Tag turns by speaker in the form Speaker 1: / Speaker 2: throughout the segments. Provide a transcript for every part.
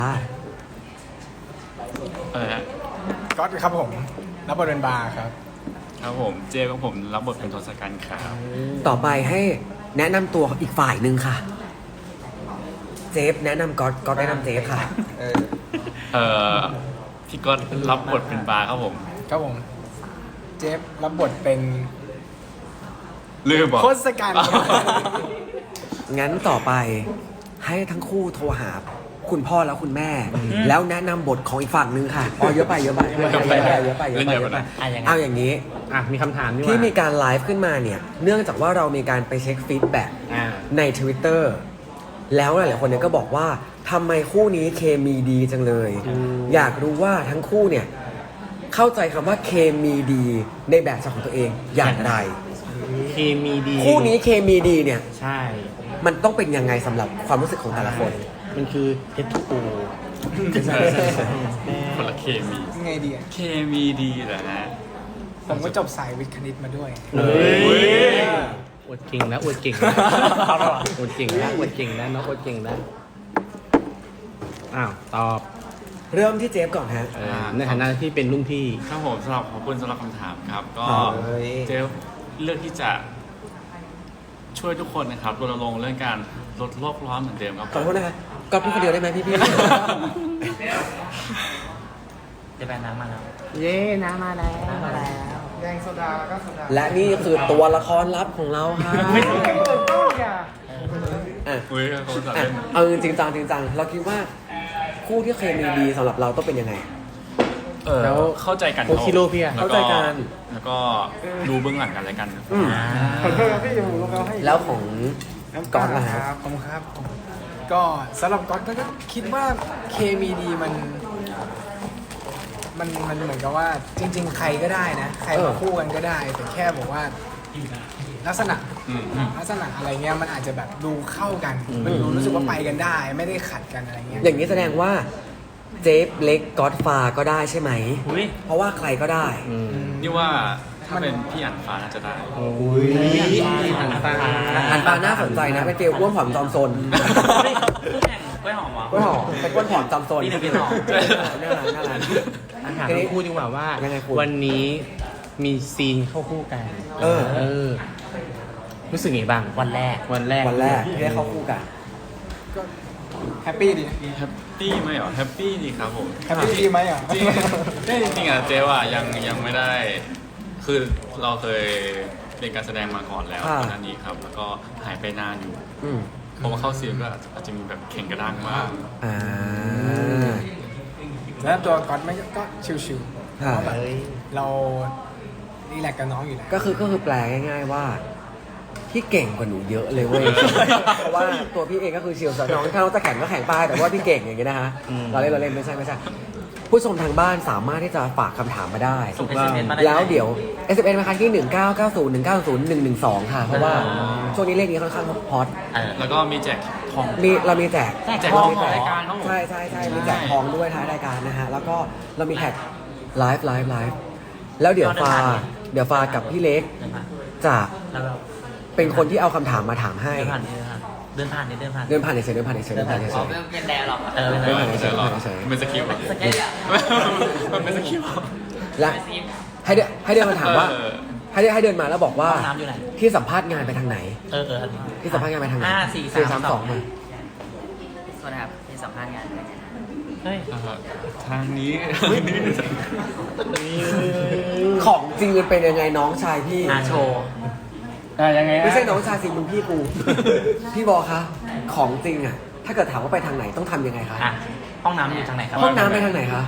Speaker 1: ฮะ
Speaker 2: ก๊อตครับผมรับบทเป็นบาร์ครับ
Speaker 1: ครับผมเจของผมรับบทเป็นทศกัณฐ์ครับ
Speaker 3: ต่อไปให้แนะนำตัวอีกฝ่ายหนึ่งค่ะ เจฟแนะนำก๊อตแนะนำเจฟค่ะ
Speaker 1: พี่ก๊อตรับบทเป็นบาร์ครับผม
Speaker 2: ครับผมเจฟรับบทเป็น
Speaker 1: ลืมบอก
Speaker 2: ทศกัณฐ์ครับ
Speaker 3: งั้นต่อไปให้ทั้งคู่โทรหาคุณพ่อแล้วคุณแม่ แล้วแนะนำบทของอีกฝั่งหนึ่งค่ะอ๋อเยอะไปเอาอย่างนี้
Speaker 4: มีคำถามนี่ว่า
Speaker 3: ที่มีการไลฟ์ขึ้นมาเนี่ยเนื่องจากว่าเรามีการไปเช็คฟีดแบ็กใน Twitter แล้วหลายๆคนเนี่ยก็บอกว่าทำไมคู่นี้เคมีดีจังเลย อยากรู้ว่าทั้งคู่เนี่ยเข้าใจคำว่าเคมีดีในแบบฉบับของตัวเองอย่างไร
Speaker 4: เคมีดี
Speaker 3: คู่นี้เคมีดีเนี่ย
Speaker 4: ใช่
Speaker 3: มันต้องเป็นยังไงสำหรับความรู้สึกของแต่ละคน
Speaker 4: มันคือ H2O
Speaker 1: คนละเคมี
Speaker 2: ยังไงดีอะ
Speaker 1: เคมีดีเหรอฮะ
Speaker 2: ผมก็จบสายวิทย์คณิตมาด้วย
Speaker 4: เฮ้ยอวดเก่งนะอวดเก่งนะอวดเก่งนะอวดเก่งนะน้องอวดเก่งนะอ้าวตอบ
Speaker 3: เริ่มที่เจฟก่อนฮะ
Speaker 4: ในฐานะที่เป็นรุ่นพี่
Speaker 1: ครับผมสำหรับขอบคุณสำหรับคำถามครับ ก็
Speaker 3: เฮ้ย
Speaker 1: เจเลือกที่จะช่วยทุกคนนะครับรณรงค์เรื่องการลดโลกร้อนเหมือนเดิมครับ
Speaker 3: ขอโทษนะคะก๊อตพูดคนเดียวได้ไหมพี่
Speaker 5: จะไปน้ำมาแล้ว
Speaker 4: เย้น้ำมาแล้ว
Speaker 2: แดงโซดาแล้วก็โซดา
Speaker 3: และนี่คือตัวละครลับของเราค่ะอ่ะ
Speaker 1: อุ้ยเขาจะ
Speaker 3: อ่ะ
Speaker 1: เล่น
Speaker 3: เอาจริงจังเราคิดว่าคู่ที่เคมีดีสำหรับเราต้องเป็นยังไง
Speaker 1: แล้วเข้าใจกัน
Speaker 4: โคชิโร่พี่อะ
Speaker 1: แล้ว
Speaker 3: เข้าใจกัน
Speaker 1: แล้วก็ดูเบื้องหลังกันอะไรกันครับ
Speaker 3: อืม
Speaker 2: ขอโทษครับพี่ผมลงแล้วให้
Speaker 3: แล้วของก๊อตล่ะฮะ
Speaker 2: ครับผมครับ ก็สำหรับก๊อตก็คิดว่าเคมีดีมันเหมือนกับว่าจริง ๆ ใครก็ได้นะ ใครมาคู่กันก็ได้ แต่แค่บอกว่าลักษณะ
Speaker 1: อืม
Speaker 2: ลักษณะอะไรเงี้ยมันอาจจะแบบดูเข้ากัน มันดูรู้สึกว่าไปกันได้ ไม่ได้ขัดกันอะไรเงี้ย
Speaker 3: อย่างนี้แสดงว่าเจฟเล็กก๊อตฟาก็ได้ใช่ไหม
Speaker 5: อุ้ย
Speaker 3: เพราะว่าใครก็ได้
Speaker 1: นี่ว่าถ้าเป็นพี่อั๋นฟ้าน่าจะได้
Speaker 4: อุ้ยหันตา
Speaker 3: อันปาน่าสนใจนะเป็นฟิลอ้วนผอมจอมซน
Speaker 5: คู่แข่งกล้วยหอมเหรอ
Speaker 3: อ้วนหอมเป็นอ้วนผอมจอมซน
Speaker 5: นี่หนึ่งพี่หอม
Speaker 3: น่ารัก
Speaker 4: ถามทั้งคู่ดีกว่าว่า
Speaker 3: ยังไงคุณ
Speaker 4: วันนี้มีซีนเข้าคู่กัน
Speaker 3: เออ
Speaker 4: รู้สึกไงบ้าง
Speaker 5: วันแรก
Speaker 4: วันแรก
Speaker 3: วันแรกที่ได้เข้าคู่กัน
Speaker 2: ก็แฮปปี้ดีนะ
Speaker 1: แฮปปี้ไหมเหรอแฮปปี้ดีครับผม
Speaker 2: แฮปปี้ดีไหมอ่ะ
Speaker 1: จริงอ่ะเจ๊ว่ายังไม่ได้ คือเราเคยเรียนการแสดงมาก่อนแล้ว
Speaker 3: ค่ะ
Speaker 1: ก่อนหน้านี้ครับ แล้วก็หายไปนานอยู่
Speaker 3: อืม
Speaker 1: เพราะว่าเข้าซีนก็อาจจะมีแบบแข่งกระด้างมาก
Speaker 3: อ่า
Speaker 2: แล้วตัวก๊อตไม่ก็ชิวๆ
Speaker 3: ค่ะ
Speaker 2: เพราะแบบเรารีแลกซ์กับน้องอยู่แล้ว
Speaker 3: ก็คือแปลง่ายๆว่าพี่เก่งกว่าหนูเยอะเลยเว้ย เพราะว่าตัวพี่เองก็คือชิลส์น้องถ้าน้องจะแข่งก็แข่งไปแต่ว่าพี่เก่งอย่างเงี้ยนะฮะเราเล่นไม่ใช่ผู้ชมทางบ้านสามารถที่จะฝากคำถามมาได้
Speaker 5: ส่ง SMS มาได้
Speaker 3: แล้วเดี๋ยว SMS มาคันที่ 1990190112 ค่ะ เพราะว่าช่วงนี้เลขนี้ค่อนข้างฮอต
Speaker 1: แล้วก็มีแจกทอง
Speaker 3: เรามีแจก
Speaker 1: แจกทองของรายการครับผม
Speaker 3: ใช่มีแจกทองด้วยท้ายรายการนะฮะ แล้วก็เรามีแท็กไลฟ์แล้วเดี๋ยวฟากับพี่เล็ก
Speaker 5: เดินผ่าน
Speaker 3: จะ
Speaker 5: แล้วแบบ
Speaker 3: เป็นคนที่เอาคำถามมาถามให้
Speaker 5: เดินผ่านเดินผ่าน
Speaker 3: เดินผ่านเฉยๆ
Speaker 5: เป็นแดร์หรอเออ
Speaker 1: ไม่ใช่หรอกเป็นสคริปต์อะมันเป็นสคริปต์อะ
Speaker 3: และให้เดินมาถามว่า
Speaker 1: เออ
Speaker 3: ให้เดินมาแล้วบอกว่า
Speaker 5: ห้องน้ำอยู่ไหน
Speaker 3: ที่สัมภาษณ์งานไปทางไหน
Speaker 5: เอออันนี้
Speaker 3: ที่สัมภาษณ์งานไปทางไหน
Speaker 5: 5 4 3
Speaker 3: 4-3-2 มา
Speaker 6: สวัสดีครับที่สัมภาษณ์งาน
Speaker 5: เฮ้ย
Speaker 1: ทางนี้
Speaker 3: ของจริงมันเป็นยังไงน้องชายพี่
Speaker 5: โชว์
Speaker 4: ยังไง
Speaker 3: ไม่ใช่น้องชายสิมึงพี่กู พี่บอกคะของจริงอ่ะ ถ้าเกิดถามว่าไปทางไหนต้องทำยังไงคะ
Speaker 5: ห้องน้ำอยู่ทางไหนครับ
Speaker 3: ห้องน้ำไปทางไหนคะ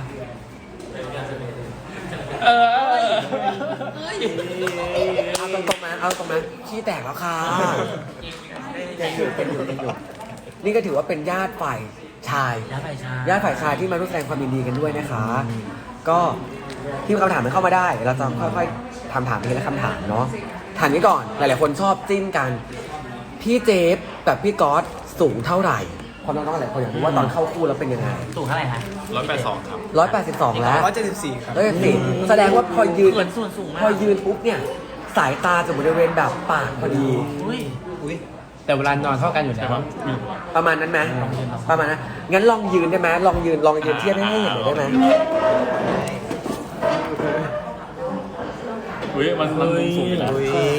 Speaker 3: เอาตรงๆมาขี้แตกแล้วค่ะยังอยู่นี่ก็ถือว่าเป็นญาติฝ่ายชาย
Speaker 5: ย้ายไปช้า
Speaker 3: ญาติฝ่ายชายที่มาร่วมแสดงความยินดีกันด้วยนะคะ ก็ที่คำถามมันเข้ามาได้ เราจะค่อยๆถามทีละคำถามเนาะถามนี้ก่อน หลายๆคนชอบจิ้นกัน พี่เจฟกับพี่ก๊อตสูงเท่าไหร่ความน้องๆหลายคนอยากรู้ว่าตอนเข้าคู่แล้วเป็นยังไง
Speaker 5: สูงเท่าไหร่ฮะ
Speaker 1: 182ครับ
Speaker 3: 182 แล้ว
Speaker 2: 174 ครับ
Speaker 3: แสดงว่าพอยืน
Speaker 5: เหมือนส่วนสูงมาก
Speaker 3: พอยืนปุ๊บเนี่ย สายตาจะบริเวณแบบปากพอดี
Speaker 5: อุ้ย
Speaker 4: แต่เวลานอนเท่ากันอยู่แล้ว
Speaker 3: ประมาณนั้นไหมประมาณนั้นงั้นลองยืนได้ไหมลองยืนเทียบให้เห็นหน่อยได้ไหม
Speaker 1: อุ้ยมันมุมสูงอยู่แล้ว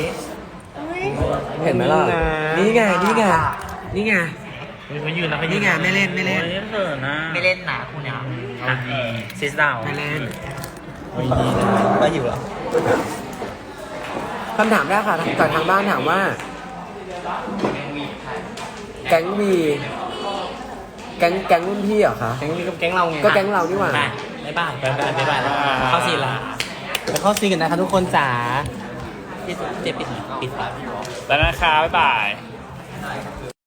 Speaker 3: เห็นไหมล่ะนี่ไงนี่ไงนี่ไง
Speaker 5: เขายืนนะเขายื
Speaker 3: นี่ไงไม่เล่น
Speaker 5: ไม่เล่นนะไม่เล่นนะคุณเนี่ยซิสดาว
Speaker 3: ไม่เล่น
Speaker 5: ก็อยู่เหรอ
Speaker 3: คำถามแรกค่ะจากทางบ้านถามว่า แก๊งวีแก๊งรุ่นพี่เหรอคะ
Speaker 4: แก๊งนี้ก็แก๊งเราไง
Speaker 3: ก็แก๊งเรานี่หว่า
Speaker 5: บ๊ายบายเข้าซีนละ
Speaker 4: ไปเข้าซีนกันนะคะทุกคนจ๋า
Speaker 5: เจ็บปิด
Speaker 1: แล้วนะคะบ๊ายบาย